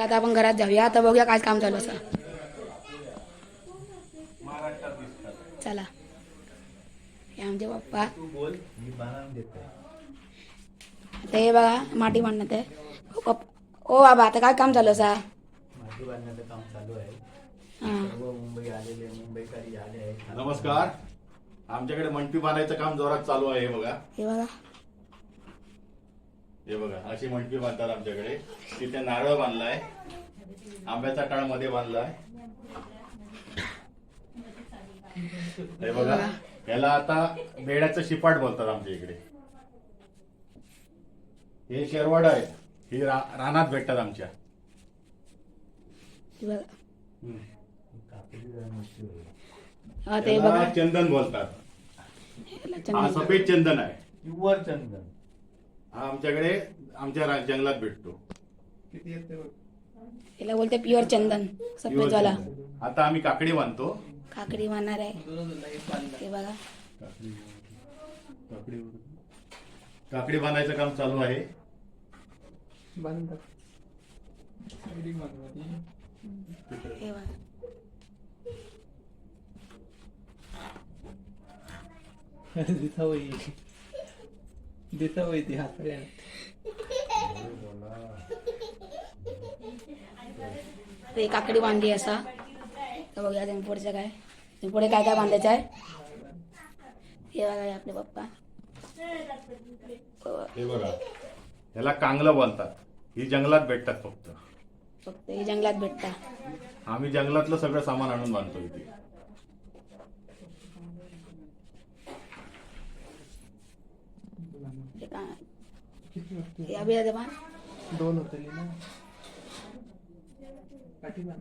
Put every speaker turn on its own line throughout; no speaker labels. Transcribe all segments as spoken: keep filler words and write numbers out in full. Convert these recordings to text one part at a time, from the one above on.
आता आपण घरात जाऊया. आता बघूया काय काम चालू असं. चला हे आमचे पप्पा. ते बघा माती बांधण्यात आहे. ओ पप्पा, ओ बाबा आता काय काम चालू असा?
माती बांधण्याचं काम चालू आहे.
हां
सर्व मुंबई आलेले मुंबईकरी आले आहेत.
नमस्कार. आमच्याकडे मंडपी बांधायचं काम जोरात चालू आहे. बघा
हे बघा
हे बघा अशी मंडपी बांधतात आमच्याकडे. तिथे नारळ बांधलाय, आंब्याचा टाळ मध्ये बांधलाय. हे बघा याला आता बेड्याचं शिपाट बोलतात आमच्या इकडे. हे शेरवाड आहे, ही रा- रानात भेटतात आमच्या.
हे बघा
कापडी जरा
हा ते
याला
बघा
चंदन बोलतात.
याला
हा
चंदन.
सफेद चंदन आहे.
प्युअर चंदन.
हा आमच्याकडे आमच्या रा- जंगलात भेटतो.
किती येते बघ.
याला बोलते प्युअर चंदन
Pure
सफेदवाला.
चंदन. आता आम्ही काकडी बांधतो.
काकडी मारणार आहे. हे बघा
काकडी काकडी बांधायचं काम चालू आहे.
हे बघा
दिसावई दिसावई ती हातऱ्या
ते काकडी बांधली असा. तर बघूया तुम्ही पुढचं काय. तुम्ही पुढे काय काय बांधायचं आहे. हे बघा हे आपले पप्पा.
हे बघा याला कांगलं बोलतात. ही जंगलात भेटतात फक्त.
फक्त हे जंगलात भेटता.
आम्ही जंगलातलं सगळं सामान आणून बांधतो इथे.
हे का हे अभि आहे बा.
दोन होते ना काठी बांध.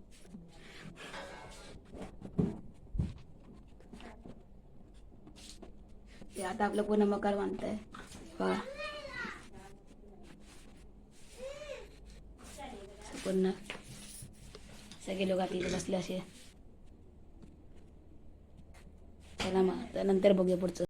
ते आता आपलं पूर्ण मकर बांधतंय. बघा पूर्ण सगळे लोक तिथे बसले असे. चला मग नंतर बघूया पुढचं.